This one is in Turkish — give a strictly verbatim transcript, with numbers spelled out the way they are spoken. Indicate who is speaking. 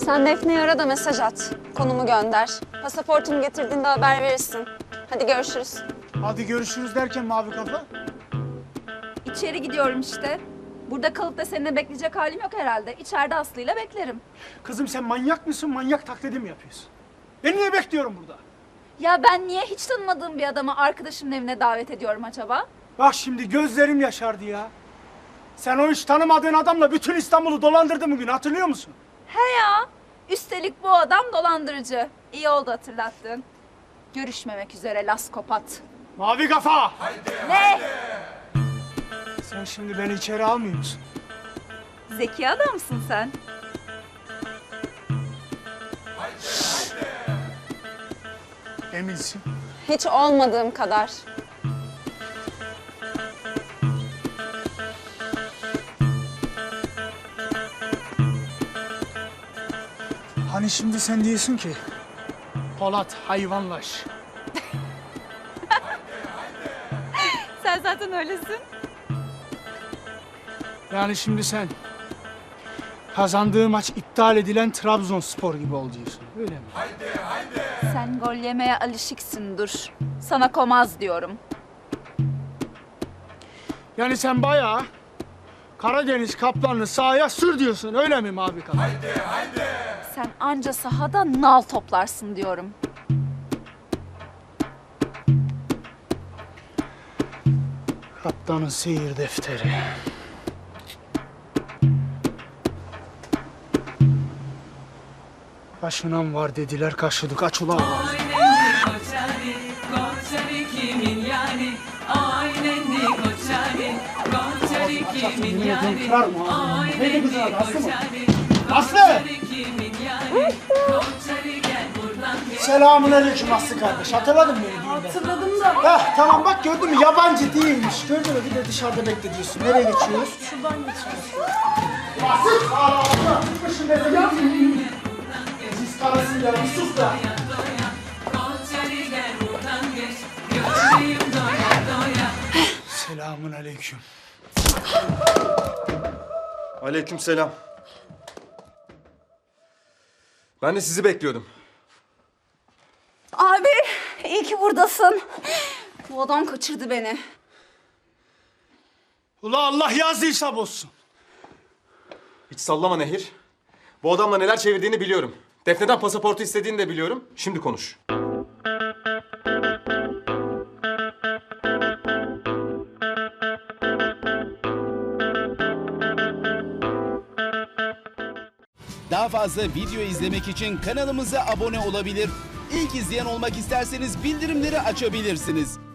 Speaker 1: Sen Defne'yi ara da mesaj at. Konumu gönder. Pasaportumu getirdiğinde haber verirsin. Hadi görüşürüz.
Speaker 2: Hadi görüşürüz derken mavi kafa.
Speaker 3: İçeri gidiyorum işte. Burada kalıp da seninle bekleyecek halim yok herhalde. İçeride Aslı'yla beklerim.
Speaker 2: Kızım sen manyak mısın? Manyak taklidi mi yapıyorsun? Ben niye bekliyorum burada?
Speaker 3: Ya ben niye hiç tanımadığım bir adamı arkadaşımın evine davet ediyorum acaba?
Speaker 2: Bak şimdi gözlerim yaşardı ya. Sen o hiç tanımadığın adamla bütün İstanbul'u dolandırdın bugün, hatırlıyor musun?
Speaker 3: He ya. Üstelik bu adam dolandırıcı. İyi oldu hatırlattın. Görüşmemek üzere laskopat.
Speaker 2: Mavi kafa!
Speaker 3: Ne?
Speaker 2: Sen şimdi beni içeri almıyor musun?
Speaker 3: Zeki adamsın sen.
Speaker 2: Eminsin.
Speaker 1: Hiç olmadığım kadar.
Speaker 2: Hani şimdi sen diyorsun ki Polat hayvanlaş.
Speaker 3: Sen zaten öylesin.
Speaker 2: Yani şimdi sen kazandığı maç iptal edilen Trabzonspor gibi ol diyorsun, öyle mi?
Speaker 3: Sen gol yemeye alışıksın dur. Sana komaz diyorum.
Speaker 2: Yani sen bayağı Karadeniz Kaplanlı sahaya sür diyorsun, öyle mi Mavi Kafa?
Speaker 3: Sen anca sahada nal toplarsın diyorum.
Speaker 2: Kaptanın seyir defteri. Kaşınan var dediler, kaşıdık, aç ulan.
Speaker 4: Koçari, Koçari kimin yani? Aynenli Koçari, Koçari kimin yani? Aynenli Koçari, Koçari kimin yani? Koçari gel buradan gel.
Speaker 2: Selamünaleyküm Aslı kardeş, hatırladın mı beni düğünde?
Speaker 5: Hatırladım da.
Speaker 2: Heh, tamam bak gördün mü, yabancı değilmiş. Gördün mü, bir de dışarıda bekletiyorsun. Nereye geçiyoruz?
Speaker 5: Şuradan geçiyoruz.
Speaker 2: Aslı! Aa, çıkmışsın nereye? Siz karısın ya, bir sus da.
Speaker 4: Koçari gel buradan geç. Gözlüğüm doya doya.
Speaker 2: Selamünaleyküm.
Speaker 6: Aleykümselam. Ben de sizi bekliyordum.
Speaker 3: Abi iyi ki buradasın. Bu adam kaçırdı beni.
Speaker 2: Ula Allah yazdıysa bozsun.
Speaker 6: Hiç sallama Nehir. Bu adamla neler çevirdiğini biliyorum. Defne'den pasaportu istediğini de biliyorum. Şimdi konuş.
Speaker 7: Daha fazla video izlemek için kanalımıza abone olabilir. İlk izleyen olmak isterseniz bildirimleri açabilirsiniz.